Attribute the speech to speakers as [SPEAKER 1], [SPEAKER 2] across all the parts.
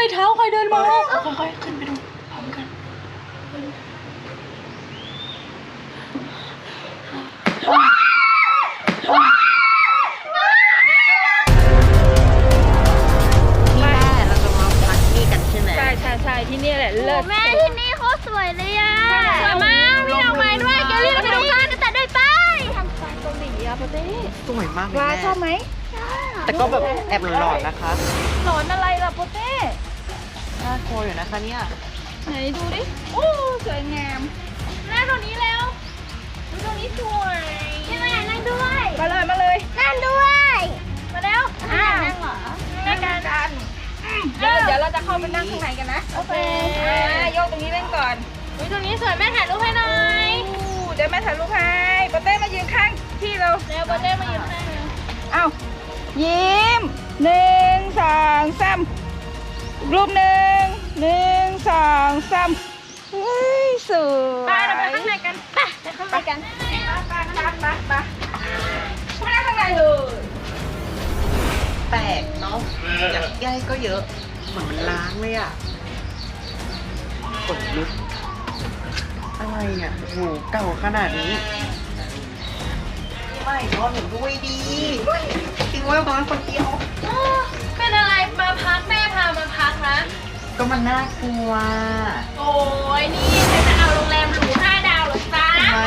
[SPEAKER 1] เท้าใครเดินมาค่อยๆขึ้นไปดูพร้อมกันใช่ที่นี่แหละเลิศ
[SPEAKER 2] แม่ที่นี่เขาสวยเลยอ่ะสวยมากมีดอกไม้ด้วยเกลลี่เราไปดูกันแต่ด้วยไปทำสไตล์เกาหลีอะปะเต้
[SPEAKER 3] สวยมากเลยแม่
[SPEAKER 2] ชอบไหม
[SPEAKER 3] แต่ก็แบบแอบหลอนๆนะคะ
[SPEAKER 2] หลอนอะไรล่ะปะเต้
[SPEAKER 3] น่ากลัวอยู่นะคะเนี่ย
[SPEAKER 2] ไหนดูดิโอ้สวยงามนั่งตรงนี้แล้วดูตรงนี้สวยพี่มานั่งด้วยมาเลยนั่งด้วยมาแล้วนั่งเหรอนั่งกันเดี๋ยวเราจะเข้าไปนั่งข้างในกันนะโอเคโยกตรงนี้เล่นก่อนตรงนี้สวยแม่ถ่ายรูปให้หน่อยเดี๋ยวแม่ถ่ายรูปให้ปะเต้มายืนข้างพี่เราเร็วปะเต้มายืนข้างเอ้ายิ้ม1 2 3รูป1 2 3เฮ้ยสวยไปเราไปข้างในกันไปข้างในกันไปนั่งข้างในเลย
[SPEAKER 3] แปลกเนาะอยากย่ายก็เยอะเหมือนมันล้างเลยอ่ะขนลุกอะไรเนี่ยโหเก่าขนาดนี้ไม่นอนหนูด้วยดีทิ้งไว้บ้านคนเดียว
[SPEAKER 1] เป็นอะไรมาพักแม่พามาพักนะ
[SPEAKER 3] ก็มันน่ากลัว
[SPEAKER 1] โอ้ยนี่ฉันจะเอาโรงแรมหรู5 ดาวหรอจ๊ะ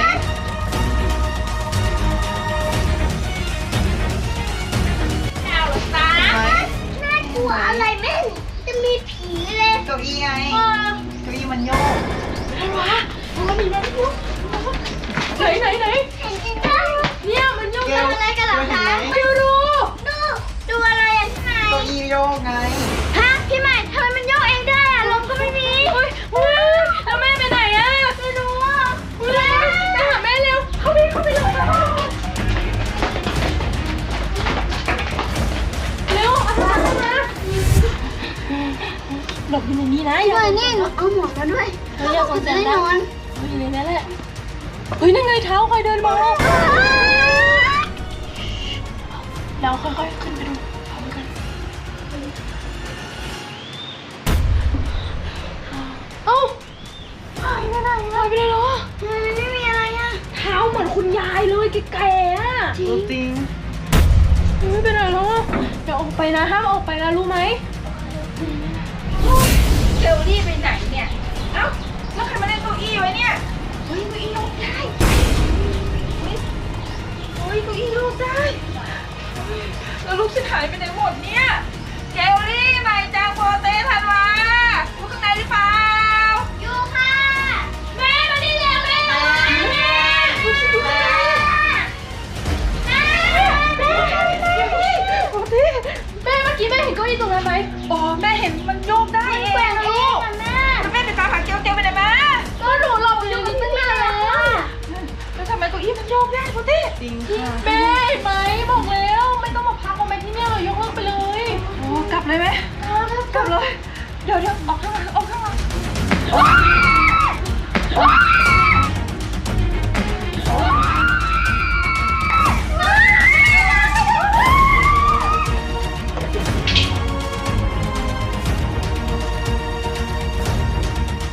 [SPEAKER 2] น่ากลัวอะไรแม่จะมีผีเลย
[SPEAKER 3] เก้าอี้ไงเก้าอี้มันโยก
[SPEAKER 1] อะไรวะมันมีมันโยกไหน
[SPEAKER 2] เห็นจริงจัง
[SPEAKER 1] เนี่ยมันโยก
[SPEAKER 2] อะไรกันเหรอคะ
[SPEAKER 1] ไม่รู้
[SPEAKER 2] ดูอะไรอ่ะใช่
[SPEAKER 3] เก้าอี้โยกไง
[SPEAKER 2] ฮะพี่ใหม่ทำไมมันโยกเองได้อ่ะลมก็ไม่มี
[SPEAKER 1] แล้วแม่ไปไหนอ่ะ
[SPEAKER 2] ไม่รู้อ่ะ
[SPEAKER 1] ไปหาแม่เร็วเข้าไปเลยเร็วเอามาหลบอยู่ในนี้นะ
[SPEAKER 2] อย่านี่หนูเอาหมวกมาด้วย
[SPEAKER 1] เรียกคนแน่นอนอยู่ในนั้นแหละเฮ้ยนั่นไงเท้าใครเดินมาเราค่อยๆขึ้นไปดูพร้อมกันเอ้าหายไปไหนเหรอ
[SPEAKER 2] ไม่มีอะไรอ่ะ
[SPEAKER 1] เท้าเหมือนคุณยายเลยแก่ๆอ่ะ
[SPEAKER 3] จริง
[SPEAKER 1] ไม่เป็นไรหรอกเดี๋ยวออกไปนะห้ามออกไปนะรู้ไหม
[SPEAKER 2] เกลลี่ไปไหนเนี่ยเอ้าแล้วใครมาเล่นเก้าอี้ไว้เนี่ยเฮ้ยเก้าอี้โยกได้เก้าอี้โยกได้แล้วลูกฉันหายไปไหนหมดเนี่ยเกลลี่ใหม่จางโปเต้ทันวะอยู่ข้างในหรือเปล่าอยู่ค่ะแม่มาดิเร็วแม่แม่เ
[SPEAKER 1] มื่อกี้แม่เห็นเก้าอี้ตรงนั้นไหม
[SPEAKER 2] อ๋อแม่เห็นมันโยกได้เองนะลูกแล้วแม่จะตามหาเกลไปไหนมา
[SPEAKER 1] ก็หนูหลบอยู่ตั้งนาน
[SPEAKER 2] แล้วทำไมเก้าอี้มันโยกได้พ่อเต้
[SPEAKER 3] จริงค่ะ
[SPEAKER 1] แม่ไหมบอกแล้วไม่ต้องมาพักเอาไปที่นี่เลยยกเลิกไปเลย
[SPEAKER 2] โอ้กลับเลยไหมกลับเลยเดี๋ยวออกข้างหลัง